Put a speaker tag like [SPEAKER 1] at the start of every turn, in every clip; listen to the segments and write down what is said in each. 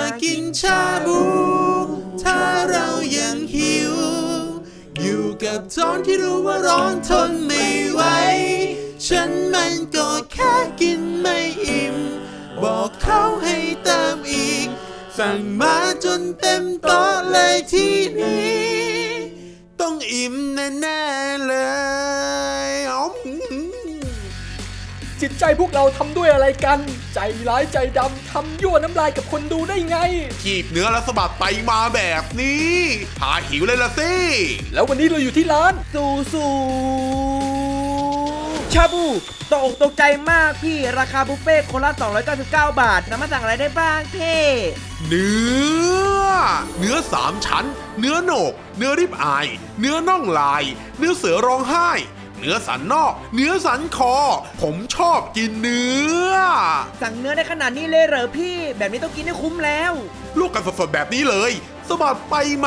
[SPEAKER 1] กินชาบูถ้าเรายังหิวอยู่กับท้องที่รู้ว่าร้อนทนไม่ไหวฉันมันก็แค่กินไม่อิ่มบอกเขาให้เติมอีกสั่งมาจนเต็มโต๊ะเลยที่นี้ต้องอิ่มแน่ๆเลย
[SPEAKER 2] จิตใจพวกเราทำด้วยอะไรกันใจร้ายใจดำทำยั่วน้ำลายกับคนดูได้ไง
[SPEAKER 1] ขีบเนื้อและสะบัดไปมาแบบนี้พาหิวเลยละสิ
[SPEAKER 2] แล้ววันนี้เราอยู่ที่ร้าน
[SPEAKER 3] ซูชาบูตกอกตกใจมากพี่ราคาบุฟเฟ่คนละ299 บาทสามารถสั่งอะไรได้บ้างเพ่
[SPEAKER 1] เนื้อ3 ชั้นเนื้อโหนกเนื้อริบอายเนื้อน่องลายเนื้อเสือร้องไห้เนื้อสันนอกเนื้อสันคอผมชอบกินเนื้อ
[SPEAKER 3] สั่งเนื้อได้ขนาดนี้เลยเหรอพี่แบบนี้ต้องกินให้คุ้มแล้ว
[SPEAKER 1] ลวกกันสดๆแบบนี้เลยสะบัดไปมา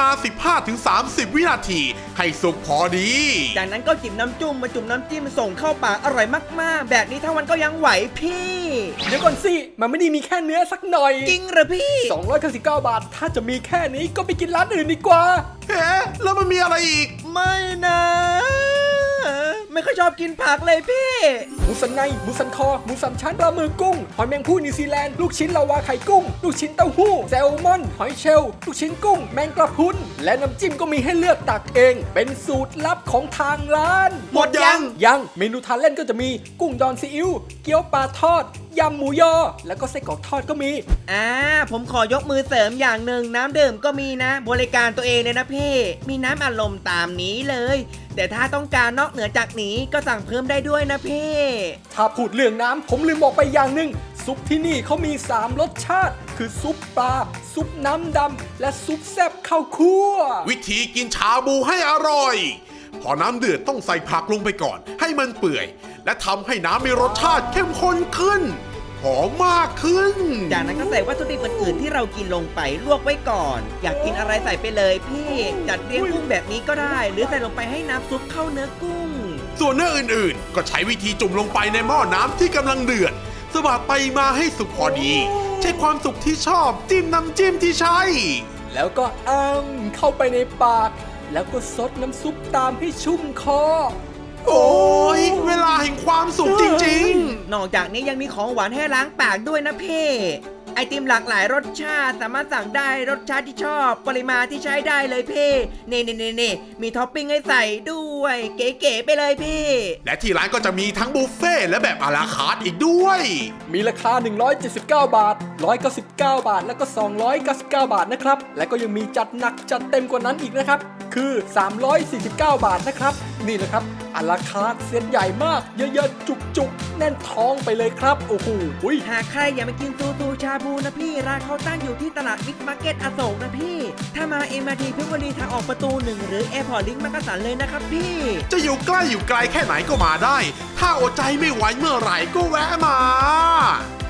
[SPEAKER 1] 15-30 วินาทีให้สุกพอดี
[SPEAKER 3] จากนั้นก็จิบน้ำจุ่มมาจุ่มน้ำจิ้มส่งเข้าปากอร่อยมากๆแบบนี้ทั้งวันก็ยังไหวพี่
[SPEAKER 2] เดี๋ยวก่อนสิมันไม่ได้มีแค่เนื้อสักหน่อย
[SPEAKER 3] จริงเหรอพี่
[SPEAKER 2] 299 บาทถ้าจะมีแค่นี้ก็ไปกินร้านอื่นดีกว่า
[SPEAKER 1] เฮ้แล้วมันมีอะไรอีก
[SPEAKER 3] ไม่นะไม่ค่อยชอบกินผักเลยพี่
[SPEAKER 2] หมูสันในหมูสันคอหมูสันชั้นปลาหมึกกุ้งหอยแมงภู่นิวซีแลนด์ลูกชิ้นลาวาไข่กุ้งลูกชิ้นเต้าหู้แซลมอนหอยเชลล์ลูกชิ้นกุ้งแมงกระพุนและน้ำจิ้มก็มีให้เลือกตักเองเป็นสูตรลับของทางร้าน
[SPEAKER 1] หมด
[SPEAKER 2] ยังเมนูทานเล่นก็จะมีกุ้งดองซีอิ๊วเกี๊ยวปลาทอดยำหมูยอแล้วก็ไส้กรอกทอดก็มี
[SPEAKER 3] ผมขอยกมือเสริมอย่างหนึ่งน้ำดื่มก็มีนะบริการตัวเองเลยนะพี่มีน้ำอารมณ์ตามนี้เลยแต่ถ้าต้องการนอกเหนือจากนี้ก็สั่งเพิ่มได้ด้วยนะพี่
[SPEAKER 2] ถ้าพูดเรื่องน้ำผมลืมบอกไปอย่างหนึ่งซุปที่นี่เขามี3รสชาติคือซุปปลาซุปน้ำดำและซุปแซ่บข้าวคั่ว
[SPEAKER 1] วิธีกินชาบูให้อร่อยพอน้ำเดือดต้องใส่ผักลงไปก่อนให้มันเปื่อยและทำให้น้ำมีรสชาติเข้มข้นขึ้นหอมมากขึ้น
[SPEAKER 3] จากนั้นก็ใส่วัตถุดิบอื่นๆที่เรากินลงไปลวกไว้ก่อนอยากกินอะไรใส่ไปเลยพี่จัดเรียงกุ้งแบบนี้ก็ได้หรือใส่ลงไปให้น้ำซุปเข้าเนื้อกุ้ง
[SPEAKER 1] ส่วนเนื้ออื่นๆก็ใช้วิธีจุ่มลงไปในหม้อน้ำที่กำลังเดือดสะบัดไปมาให้สุกพอดีใช้ความสุกที่ชอบจิ้มน้ำจิ้มที่ใช้
[SPEAKER 2] แล้วก็เข้าไปในปากแล้วก็ซดน้ำซุปตามให้ชุ่มคอ
[SPEAKER 1] โอ้ยเวลาแห่งความสุขจริง
[SPEAKER 3] ๆนอกจากนี้ยังมีของหวานให้ล้างปากด้วยนะพี่ไอติมหลากหลายรสชาติสามารถสั่งได้รสชาติที่ชอบปริมาณที่ใช้ได้เลยพี่นี่มีท็อปปิ้งให้ใส่ด้วยเก๋ๆไปเลยพี่
[SPEAKER 1] และที่ร้านก็จะมีทั้งบุฟเฟ่และแบบอาราคาร์ทอีกด้วย
[SPEAKER 2] มีราคา179 บาท199 บาทแล้วก็299 บาทนะครับและก็ยังมีจัดหนักจัดเต็มกว่านั้นอีกนะครับคือ349 บาทนะครับนี่แหละครับอาราคาร์ทเซตใหญ่มากเยอะๆจุกๆแน่นท้องไปเลยครับโอ้โห
[SPEAKER 3] หากใครอยากมากินซูชาบูนะพี่ร้านเขาตั้งอยู่ที่ตลาดบิ๊กมาร์เก็ตอโศกนะพี่ถ้ามา MRT เพชรบุรีทางออกประตู 1หรือแอร์พอร์ตลิงก์มักกะสันเลยนะครับพี่
[SPEAKER 1] จะอยู่ใกล้อยู่ไกลแค่ไหนก็มาได้ถ้าอดใจไม่ไหวเมื่อไหร่ก็แวะมา